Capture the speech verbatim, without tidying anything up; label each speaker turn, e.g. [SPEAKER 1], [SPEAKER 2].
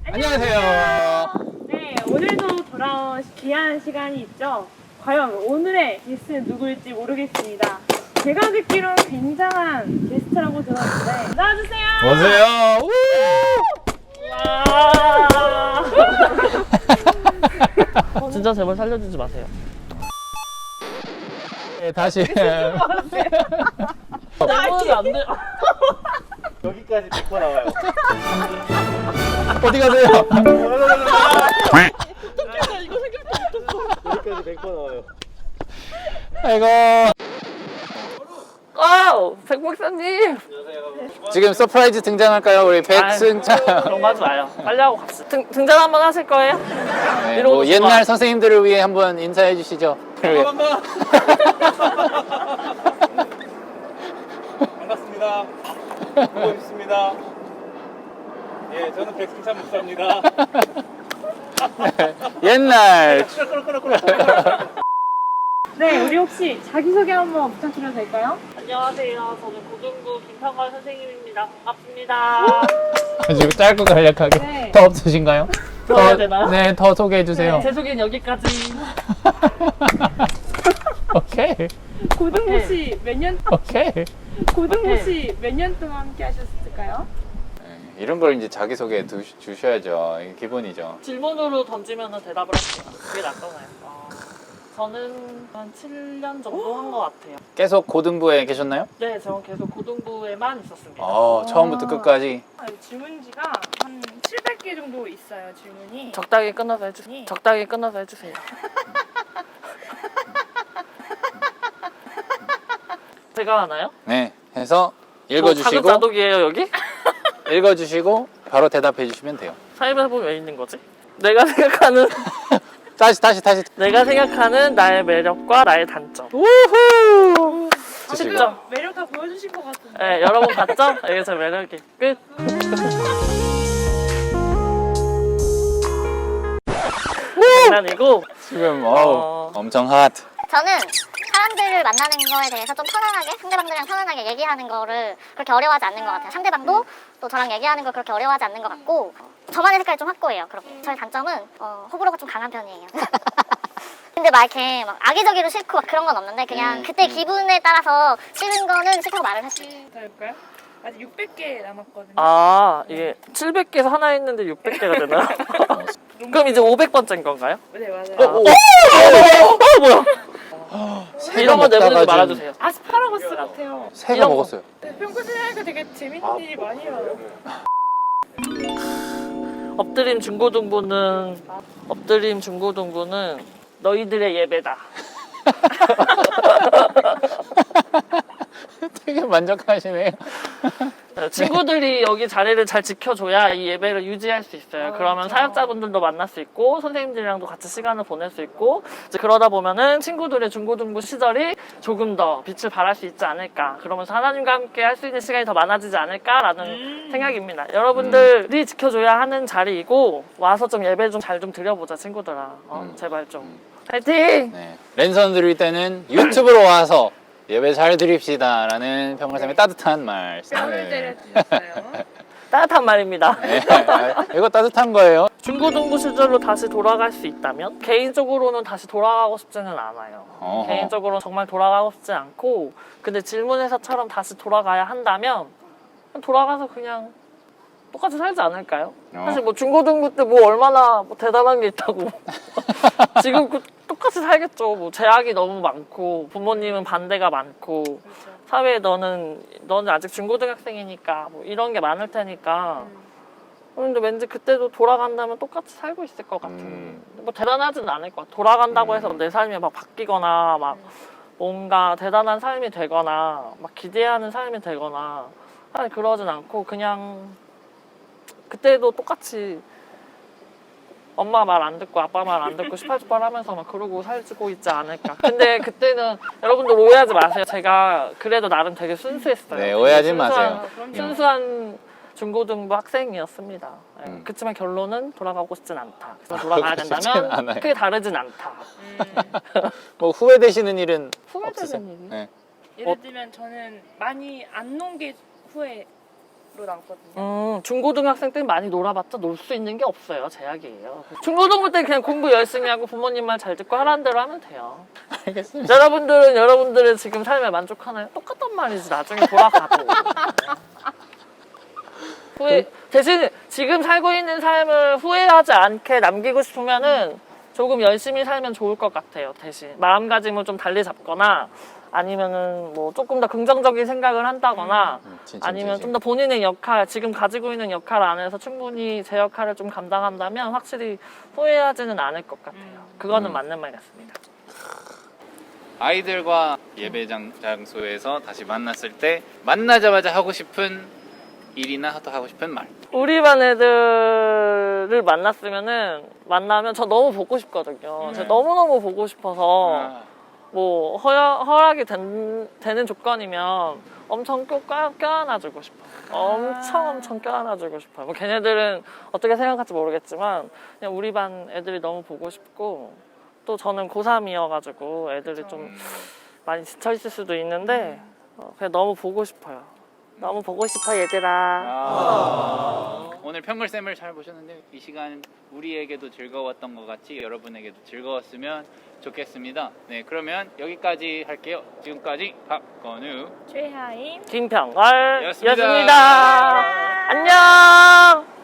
[SPEAKER 1] 안녕하세요.
[SPEAKER 2] 네, 오늘도 돌아온 귀한 시간이 있죠. 과연 오늘의 게스트는 누구일지 모르겠습니다. 제가 듣기로는 굉장한 게스트라고 들었는데 나와주세요.
[SPEAKER 1] 오세요.
[SPEAKER 2] 와.
[SPEAKER 3] 진짜 제발 살려주지 마세요.
[SPEAKER 1] 네, 다시.
[SPEAKER 3] 너무 안 돼.
[SPEAKER 4] 여기까지 백 번 나와요.
[SPEAKER 1] 어디 가세요?
[SPEAKER 4] 여기까지 백 번 나와요.
[SPEAKER 1] 아이고.
[SPEAKER 3] 아우, 백 박사님.
[SPEAKER 1] 지금 서프라이즈 등장할까요? 우리 백승찬.
[SPEAKER 3] 아유, 그런 거 하지 마요. 빨리 하고 갑시다. 등, 등장 한번 하실 거예요?
[SPEAKER 1] 네,
[SPEAKER 3] 이러고
[SPEAKER 1] 뭐
[SPEAKER 3] 있지
[SPEAKER 1] 옛날
[SPEAKER 3] 마.
[SPEAKER 1] 선생님들을 위해 한번 인사해 주시죠.
[SPEAKER 4] 반갑습니다. 보고 있습니다. 예, 저는 백승찬 목사입니다.
[SPEAKER 1] 옛날.
[SPEAKER 2] 네, 우리 혹시 자기소개 한번 부탁드려도 될까요?
[SPEAKER 3] 안녕하세요. 저는 고등부 김상관 선생님입니다. 반갑습니다.
[SPEAKER 1] 지금 짧고 간략하게.
[SPEAKER 2] 네.
[SPEAKER 1] 더 없으신가요?
[SPEAKER 3] 더 해야 되나요?
[SPEAKER 1] 네, 더 소개해 주세요.
[SPEAKER 3] 제 소개는 여기까지.
[SPEAKER 1] 오케이.
[SPEAKER 2] 고등부 씨 몇 년,
[SPEAKER 1] 오케이.
[SPEAKER 2] 고등부 씨 몇 년 동안 함께 하셨을까요?
[SPEAKER 1] 이런 걸 이제 자기 소개 주셔야죠. 이게 기본이죠.
[SPEAKER 3] 질문으로 던지면 대답을 할게요. 그게 낫잖아요. 어, 저는 한 칠 년 정도 한 것 같아요.
[SPEAKER 1] 계속 고등부에 계셨나요?
[SPEAKER 3] 네, 저는 계속 고등부에만 있었습니다.
[SPEAKER 1] 어, 처음부터 끝까지.
[SPEAKER 2] 질문지가 한 칠백 개 정도 있어요, 질문이.
[SPEAKER 3] 적당히 끊어서 해주세요. 적당히 끊어서 해주세요. 제가 하나요?
[SPEAKER 1] 네. 해서
[SPEAKER 3] 저
[SPEAKER 1] 읽어주시고
[SPEAKER 3] 자급자족이에요 여기?
[SPEAKER 1] 읽어주시고 바로 대답해 주시면 돼요.
[SPEAKER 3] 삶에 보면 왜 있는 거지? 내가 생각하는
[SPEAKER 1] 다시 다시 다시.
[SPEAKER 3] 내가 생각하는 나의 매력과 나의 단점.
[SPEAKER 1] 우후. 주시고.
[SPEAKER 3] 쉽죠?
[SPEAKER 2] 매력 다 보여주신 것 같은데.
[SPEAKER 3] 네, 여러분 봤죠? 이게 제 매력이 끝. 장난이고.
[SPEAKER 1] 지금
[SPEAKER 3] 어.
[SPEAKER 1] 어우, 엄청 핫.
[SPEAKER 5] 저는 사람들을 만나는 거에 대해서 좀 편안하게 상대방들이랑 편안하게 얘기하는 거를 그렇게 어려워하지 않는 것 같아요. 상대방도 또 저랑 얘기하는 걸 그렇게 어려워하지 않는 것 같고 저만의 색깔이 좀 확고해요. 그럼 저의 단점은 어, 호불호가 좀 강한 편이에요. 근데 막 이렇게 막 악의적으로 싫고 막 그런 건 없는데 그냥
[SPEAKER 1] 음,
[SPEAKER 5] 그때
[SPEAKER 1] 음.
[SPEAKER 5] 기분에 따라서 싫은 거는 싫다고 말을 할 수 있어요.
[SPEAKER 2] 더 할까요? 아직 육백 개 남았거든요.
[SPEAKER 3] 아, 이게 칠백 개에서 하나 했는데 육백 개가 되나요? 그럼 이제 오백 번째인 건가요?
[SPEAKER 2] 네, 맞아요.
[SPEAKER 1] 오, 오.
[SPEAKER 3] 어, 뭐야?
[SPEAKER 1] 새가
[SPEAKER 3] 이런 거
[SPEAKER 1] 먹다가
[SPEAKER 3] 내보내지
[SPEAKER 1] 지금
[SPEAKER 3] 말아주세요.
[SPEAKER 2] 아스파라거스 같아요.
[SPEAKER 1] 새가
[SPEAKER 3] 이런 거.
[SPEAKER 1] 먹었어요.
[SPEAKER 2] 네, 평소에 하니까 되게 재밌는 일이 많이 일어나요.
[SPEAKER 3] 엎드림 중고등부는 엎드림 중고등부는 너희들의 예배다.
[SPEAKER 1] 되게 만족하시네요.
[SPEAKER 3] 친구들이 여기 자리를 잘 지켜줘야 이 예배를 유지할 수 있어요. 그러면 사역자분들도 만날 수 있고 선생님들이랑도 같이 시간을 보낼 수 있고 이제 그러다 보면은 친구들의 중고등부 시절이 조금 더 빛을 발할 수 있지 않을까. 그러면서 하나님과 함께 할 수 있는 시간이 더 많아지지 않을까라는
[SPEAKER 2] 음.
[SPEAKER 3] 생각입니다. 여러분들이 지켜줘야 하는 자리이고 와서 좀 예배 좀 잘 좀 드려보자 친구들아. 어,
[SPEAKER 1] 음.
[SPEAKER 3] 제발 좀. 파이팅!
[SPEAKER 1] 네. 랜선 드릴 때는 유튜브로 와서 예배 잘 드립시다 라는 평화쌤의 따뜻한 말씀.
[SPEAKER 2] 뺨을 때려주셨어요.
[SPEAKER 3] 따뜻한 말입니다.
[SPEAKER 1] 네. 아, 이거 따뜻한 거예요.
[SPEAKER 3] 중고등부 시절로 다시 돌아갈 수 있다면 개인적으로는 다시 돌아가고 싶지는 않아요.
[SPEAKER 1] 어허.
[SPEAKER 3] 개인적으로는 정말 돌아가고 싶지 않고 근데 질문에서처럼 다시 돌아가야 한다면 그냥 돌아가서 그냥 똑같이 살지 않을까요?
[SPEAKER 1] 어.
[SPEAKER 3] 사실 뭐 중고등부 때 뭐 얼마나 뭐 대단한 게 있다고 지금 그 똑같이 살겠죠. 뭐 제약이 너무 많고 부모님은 반대가 많고
[SPEAKER 2] 그렇죠.
[SPEAKER 3] 사회에 너는 너는 아직 중고등학생이니까 뭐 이런 게 많을 테니까 그런데 왠지 그때도 돌아간다면 똑같이 살고 있을 것 같은
[SPEAKER 1] 음.
[SPEAKER 3] 뭐 대단하지는 않을 것 같아. 돌아간다고
[SPEAKER 1] 음.
[SPEAKER 3] 해서 내 삶이 막 바뀌거나 막 뭔가 대단한 삶이 되거나 막 기대하는 삶이 되거나 사실 그러진 않고 그냥 그때도 똑같이 엄마 말 안 듣고 아빠 말 안 듣고 시팔주팔 하면서 막 그러고 살고 있지 않을까. 근데 그때는 여러분들 오해하지 마세요. 제가 그래도 나름 되게 순수했어요.
[SPEAKER 1] 네, 오해하지
[SPEAKER 3] 순수한-
[SPEAKER 1] 마세요.
[SPEAKER 2] 그럼요.
[SPEAKER 3] 순수한 중고등부 학생이었습니다. 네,
[SPEAKER 1] 음.
[SPEAKER 3] 그렇지만 결론은 돌아가고 싶진 않다. 그래서 돌아가야
[SPEAKER 1] 그러고 싶진
[SPEAKER 3] 된다면
[SPEAKER 1] 않아요.
[SPEAKER 3] 크게 다르진 않다.
[SPEAKER 2] 음.
[SPEAKER 1] 뭐 후회되시는 일은
[SPEAKER 3] 후회되는
[SPEAKER 1] 없으세요?
[SPEAKER 3] 일이?
[SPEAKER 1] 네.
[SPEAKER 2] 예를 들면 저는 많이 안 논 게 후회. 나왔거든요.
[SPEAKER 3] 음, 중고등학생 때 많이 놀아봤자 놀 수 있는 게 없어요. 제약이에요. 중고등부 때 그냥 공부 열심히 하고 부모님 말 잘 듣고 하라는 대로 하면 돼요.
[SPEAKER 1] 알겠습니다.
[SPEAKER 3] 여러분들은 여러분들의 지금 삶에 만족하나요? 똑같단 말이지. 나중에 돌아가도. 후회, 대신 지금 살고 있는 삶을 후회하지 않게 남기고 싶으면은 조금 열심히 살면 좋을 것 같아요. 대신 마음가짐을 좀 달리 잡거나 아니면은 뭐 조금 더 긍정적인 생각을 한다거나
[SPEAKER 1] 음, 진짜,
[SPEAKER 3] 아니면
[SPEAKER 1] 진짜.
[SPEAKER 3] 좀 더 본인의 역할, 지금 가지고 있는 역할 안에서 충분히 제 역할을 좀 감당한다면 확실히 후회하지는 않을 것 같아요. 그거는
[SPEAKER 1] 음.
[SPEAKER 3] 맞는 말 같습니다.
[SPEAKER 1] 아이들과 예배장 장소에서 다시 만났을 때 만나자마자 하고 싶은 일이나 또 하고 싶은 말.
[SPEAKER 3] 우리 반 애들을 만났으면은 만나면 저 너무 보고 싶거든요. 제가 너무너무 보고 싶어서
[SPEAKER 1] 아,
[SPEAKER 3] 뭐 허락, 허락이 된, 되는 조건이면 엄청 꼭 껴, 껴안아주고 싶어요. 엄청 엄청 껴안아주고 싶어요. 뭐 걔네들은 어떻게 생각할지 모르겠지만 그냥 우리 반 애들이 너무 보고 싶고 또 저는 고삼이어가지고 애들이 좀 많이 지쳐있을 수도 있는데 어, 그냥 너무 보고 싶어요. 너무 보고 싶어 얘들아.
[SPEAKER 1] 아. 오늘 평글쌤을 잘 보셨는데 이 시간 우리에게도 즐거웠던 것 같이 여러분에게도 즐거웠으면 좋겠습니다. 네, 그러면 여기까지 할게요. 지금까지 박건우
[SPEAKER 2] 최하임
[SPEAKER 3] 김평걸
[SPEAKER 1] 였습니다.
[SPEAKER 3] 였습니다. 안녕.